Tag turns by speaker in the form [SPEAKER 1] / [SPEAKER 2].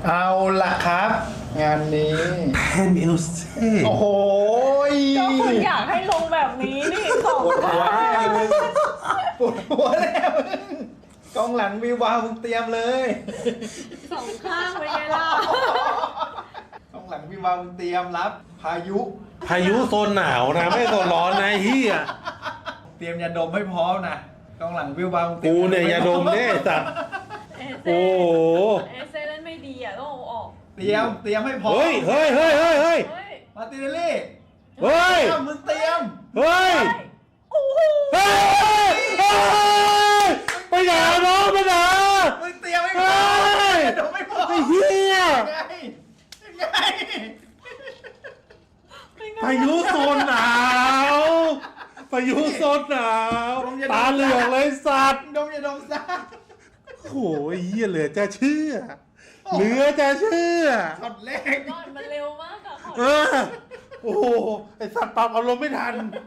[SPEAKER 1] เอาละครับ งานนี้
[SPEAKER 2] แพนเอลเซ่
[SPEAKER 1] โอ้โห
[SPEAKER 3] ก็คุณอยากให้ลงแบบนี้นี่ของ
[SPEAKER 1] ปวดหัวแน่มึงปวดหัวแน่มึงกองหลังวิววาวมึงเตรียมเลย
[SPEAKER 3] สองข้างเป็นไงล่ะ
[SPEAKER 1] กองหลังวิววาวมึงเตรียมรับพายุ
[SPEAKER 2] พายุโซนหนาวนะไม่โซนร้อนนะเฮีย
[SPEAKER 1] เตรียมยาดมให้พร้อมนะกองหลังวิววาวมึงเตรียม
[SPEAKER 2] กูเนี่ยยาดมเนี่ยสัตว์
[SPEAKER 3] เอเซ
[SPEAKER 2] โอ้โห
[SPEAKER 3] เอเซเล่นไม่ดีอ่ะต้องเอาออก
[SPEAKER 1] เตรียมให้พร้อม
[SPEAKER 2] เฮ้ย
[SPEAKER 3] เฮ้ย
[SPEAKER 1] มาร์ติเนลลี่
[SPEAKER 2] เฮ้ย
[SPEAKER 1] มึงเตรียม
[SPEAKER 2] เฮ้ย
[SPEAKER 3] โอ้โห
[SPEAKER 2] เฮ้ยไปไหนน้องไปไหน
[SPEAKER 1] มึงเตรียมให้พร้อมยาดมให้พร้อม
[SPEAKER 2] ไอ้เหี้ย
[SPEAKER 1] ยังไง
[SPEAKER 2] พายุโซนหนาวพายุโซนหนาวตาเหลืองเลยสัตว์
[SPEAKER 1] ดมยาดมซะ
[SPEAKER 2] โอ้ยเหี้ยเหลือจะเชื่อเหลือจะเชื่อ
[SPEAKER 1] ช็อตแรก
[SPEAKER 3] ก่อนมันเร็วมากอะขอ
[SPEAKER 2] เออโอ้โหไอสัตว์ปรับอารมณ์ไม่ทัน